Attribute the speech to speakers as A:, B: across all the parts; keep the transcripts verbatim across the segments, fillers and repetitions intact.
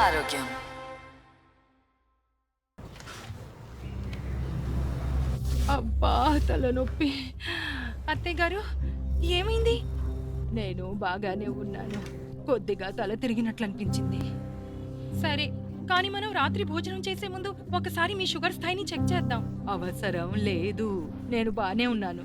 A: ఆరోగ్యం.
B: అబ్బా తలనొప్పి. అత్తయ్య గారు ఏమైంది? నేను బాగానే ఉన్నాను. కొద్దిగా తల తిరిగినట్లు అనిపించింది. సరే, కానీ మనం రాత్రి భోజనం చేసే ముందు ఒకసారి మీ షుగర్ స్థాయిని చెక్ చేద్దాం. అవసరం లేదు, నేను బానే ఉన్నాను.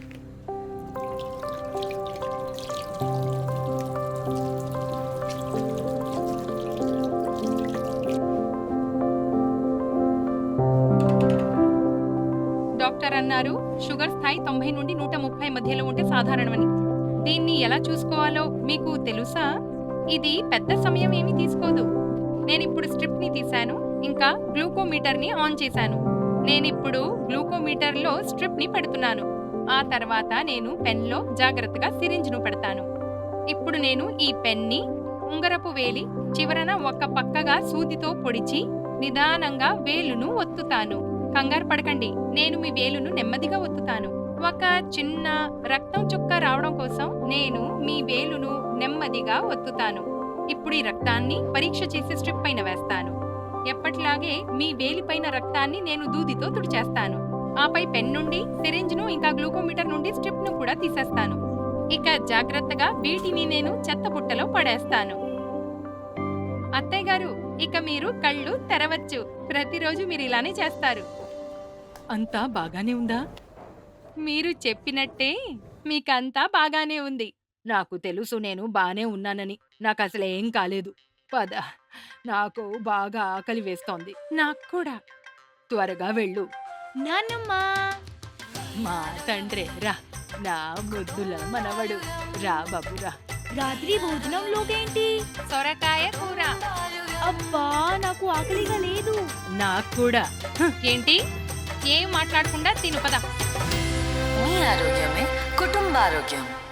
B: డాక్టర్ అన్నారు షుగర్ స్థాయి తొంభై నుండి నూట ముప్పై మధ్యలో ఉంటే సాధారణమని. దీన్ని ఎలా చూసుకోవాలో మీకు తెలుసా? ఇది పెద్ద సమయం ఏమీ తీసుకోదు. నేనిప్పుడు స్ట్రిప్ ని తీశాను, ఇంకా గ్లూకోమీటర్ ని ఆన్ చేశాను. నేనిప్పుడు గ్లూకోమీటర్ లో స్ట్రిప్ ని పెడుతున్నాను. ఆ తర్వాత నేను పెన్ లో జాగ్రత్తగా సిరింజ్ ను పెడతాను. ఇప్పుడు నేను ఈ పెన్ ని ఉంగరపు వేలి చివరన ఒక పక్కగా సూదితో పొడిచి నిదానంగా వేలును ఒత్తుతాను. కంగారు పడకండి, నేను మీ వేలును నెమ్మదిగా ఒత్తుతాను. ఒక చిన్న రక్తం చుక్క రావడం కోసం నేను మీ వేలును నెమ్మదిగా ఒత్తుతాను. ఇప్పుడు ఈ రక్తాన్ని పరీక్ష చేసి స్ట్రిప్ పైన వేస్తాను. ఎప్పటిలాగే మీ వేలిపైన రక్తాన్ని నేను దూదితో తుడిచేస్తాను. ఆపై పెన్ నుండి సిరింజ్ ను ఇంకా గ్లూకోమీటర్ నుండి స్ట్రిప్ ను కూడా తీసేస్తాను. ఇక జాగ్రత్తగా వీటిని నేను చెత్త బుట్టలో పడేస్తాను. అత్తయ్య గారు, ఇక మీరు కళ్ళు తెరవచ్చు. ప్రతిరోజు మీరు ఇలానే చేస్తారు. అంతా బాగానే ఉందా? మీరు చెప్పినట్టే మీకంతా బాగానే ఉంది. నాకు తెలుసు నేను బానే ఉన్నానని. నాకు అసలు ఏం కాలేదు. పద, నాకు బాగా ఆకలి వేస్తోంది. నాకు కూడా. త్వరగా వెళ్ళు. నాన్నమ్మా, మా తండ్రే రా, నా ముద్దుల మనవడు రా బాబు రా.
C: రాత్రి భోజనంలోకేంటి?
B: సొరకాయ కూర.
C: అబ్బా, నాకు ఆకలిగా లేదు.
B: నాకు కూడా. హ, ఏంటి? ఏం మాట్లాడకుండా తిను పద.
A: మీ ఆరోగ్యమే కుటుంబ ఆరోగ్యం.